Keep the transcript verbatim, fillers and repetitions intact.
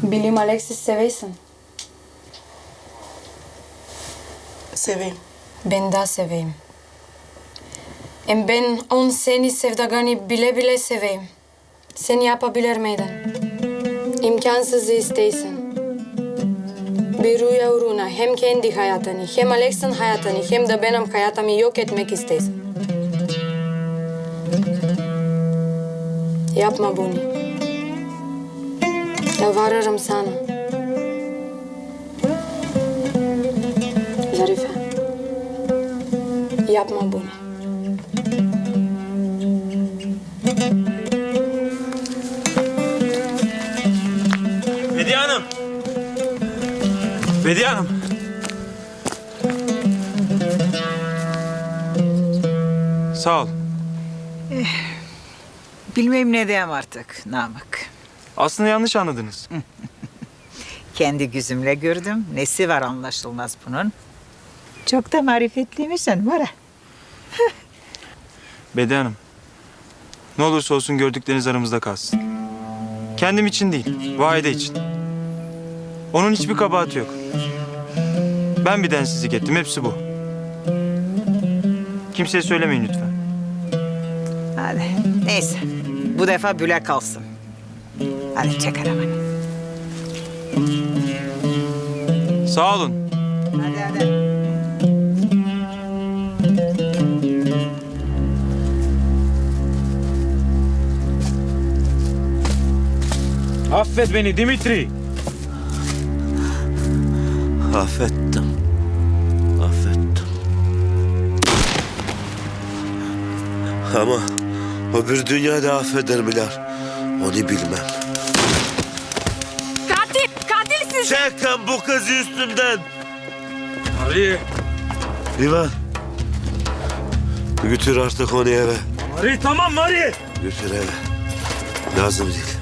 Bilim Alexis seversin. Seveyim. Ben de seveyim. Hem ben on seni sevdagani bile bile seveyim. Sen yapabilir miydin? İmkansız isteysin. Bir rüya uğruna hem kendi hayatını, hem Alex'in hayatını, hem de benim hayatımı yok etmek isteysin. Yapma bunu. Yalvarırım sana. Zarife. Yapma bunu. Bediye Hanım. Bediye Hanım. Sağ ol. Bilmem ne diyeyim artık Namık. Aslında yanlış anladınız. Kendi gözümle gördüm. Nesi var anlaşılmaz bunun. Çok da marifetliymişsin var ha. Bediye Hanım. Ne olursa olsun gördükleriniz aramızda kalsın. Kendim için değil, Vahide için. Onun hiçbir kabahati yok. Ben bir densizlik ettim, hepsi bu. Kimseye söylemeyin lütfen. Hadi neyse. Bu defa büle kalsın. Hadi çek arabanı. Sağ olun. Hadi hadi. Affet beni Dimitri. Affettim. Affettim. Ama öbür dünyada affeder Bilal. Onu bilmem. Katil! Katilsin! Çekin bu kızı üstümden. Ari. İvan. Götür artık onu eve. Ari tamam Ari. Götür eve. Lazım değil.